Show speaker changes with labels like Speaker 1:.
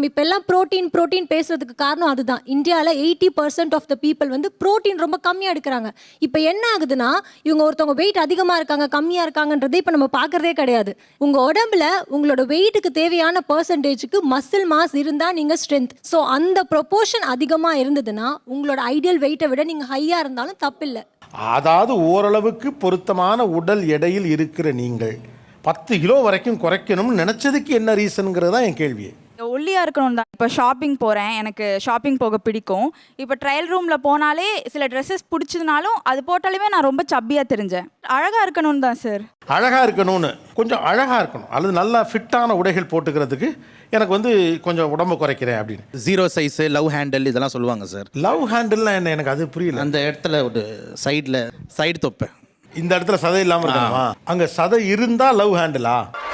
Speaker 1: நம்ம இப்போ எல்லாம் ப்ரோட்டீன் பேசுறதுக்கு காரணம் அதுதான். இந்தியாவில் 80% ஆஃப் த பீப்புள் வந்து ப்ரோட்டீன் ரொம்ப கம்மியாக எடுக்கிறாங்க. இப்போ என்ன ஆகுதுன்னா, இவங்க ஒருத்தவங்க வெயிட் அதிகமாக இருக்காங்க கம்மியாக இருக்காங்கன்றதே இப்போ நம்ம பார்க்குறதே கிடையாது. உங்கள் உடம்புல உங்களோட வெயிட்டுக்கு தேவையான பர்சன்டேஜுக்கு மசில் மாஸ் இருந்தால் நீங்கள் ஸ்ட்ரென்த். ஸோ அந்த ப்ரொபோர்ஷன் அதிகமாக இருந்ததுன்னா உங்களோட ஐடியல் வெயிட்டை விட நீங்கள் ஹையாக இருந்தாலும் தப்பில்லை.
Speaker 2: அதாவது ஓரளவுக்கு பொருத்தமான உடல் எடையில் இருக்கிற நீங்கள் 10 கிலோ வரைக்கும் குறைக்கணும்னு நினச்சதுக்கு என்ன ரீசனுங்கிறது தான் என் கேள்வி.
Speaker 3: ஒல்லியாக இருக்கணும் தான். இப்போ ஷாப்பிங் போகிறேன், எனக்கு ஷாப்பிங் போக பிடிக்கும். இப்போ ட்ரையல் ரூமில் போனாலே சில ட்ரெஸ்ஸஸ் பிடிச்சதுனாலும் அது போட்டாலுமே நான் ரொம்ப சப்பியாக தெரிஞ்சேன். அழகாக இருக்கணும்னு தான் சார்.
Speaker 2: அழகாக இருக்கணும்னு கொஞ்சம் அழகாக இருக்கணும் அல்லது நல்லா ஃபிட்டான உடைகள் போட்டுக்கிறதுக்கு எனக்கு வந்து கொஞ்சம் உடம்பு குறைக்கிறேன் அப்படின்னு.
Speaker 4: 0 சைஸு, லவ் ஹேண்டில் இதெல்லாம் சொல்லுவாங்க சார்.
Speaker 2: லவ் ஹேண்டில்னா என்ன, எனக்கு அது புரியல.
Speaker 4: அந்த இடத்துல ஒரு சைடு தொப்பை
Speaker 2: இந்த இடத்துல சதை இல்லாமல் இருக்கணுமா? அங்கே சதை இருந்தால் லவ் ஹேண்டிலா?